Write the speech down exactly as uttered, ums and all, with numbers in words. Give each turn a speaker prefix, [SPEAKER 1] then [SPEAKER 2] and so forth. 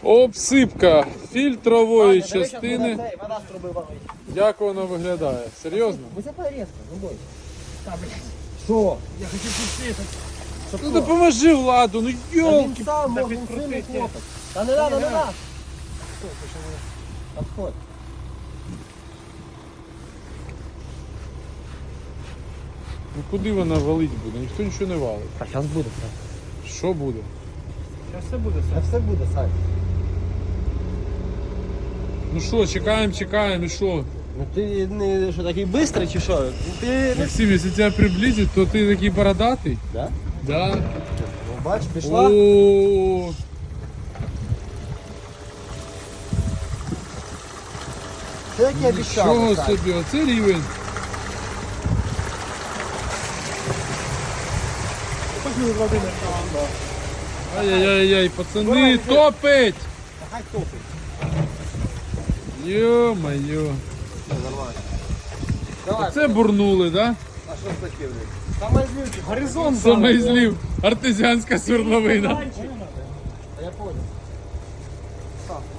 [SPEAKER 1] Обсипка фільтрової
[SPEAKER 2] Ваня, дивись,
[SPEAKER 1] частини.
[SPEAKER 2] як вона цей, Вона з труби валить.
[SPEAKER 1] Як воно виглядає? Серйозно?
[SPEAKER 2] Висипай різко, не бойся. Що? Я хочу пустити.
[SPEAKER 1] Ну допоможи Владу, ну
[SPEAKER 2] Та
[SPEAKER 1] йолки.
[SPEAKER 2] він сам може, він сильний хлопець. Та не надо, не надо. Отходь.
[SPEAKER 1] Ну куди вона валить буде? Ніхто нічого не валить.
[SPEAKER 2] А зараз буде, Сань.
[SPEAKER 1] Що буде?
[SPEAKER 2] Зараз все буде, Сань. Все буде, Сань.
[SPEAKER 1] Ну що, чекаємо, чекаємо, і що?
[SPEAKER 2] Ну ти не що такий бистрий чи що? Ти...
[SPEAKER 1] Максим, якщо тебе приблизить, то ти такий бородатий?
[SPEAKER 2] Да?
[SPEAKER 1] Да.
[SPEAKER 2] Ну, бач, пішла.
[SPEAKER 1] О,
[SPEAKER 2] Це як я обіцяв.
[SPEAKER 1] Нічого
[SPEAKER 2] Сань.
[SPEAKER 1] собі, оце рівень. Ай-яй-яй, пацани, топить!
[SPEAKER 2] Та хай топить.
[SPEAKER 1] Йо-моє.
[SPEAKER 2] Все, нормально. Давай.
[SPEAKER 1] Це бурнули, да?
[SPEAKER 2] А що з таким? Саме злючий. Горизонт.
[SPEAKER 1] Саме злів. Артезіанська свердловина.
[SPEAKER 2] Я понял.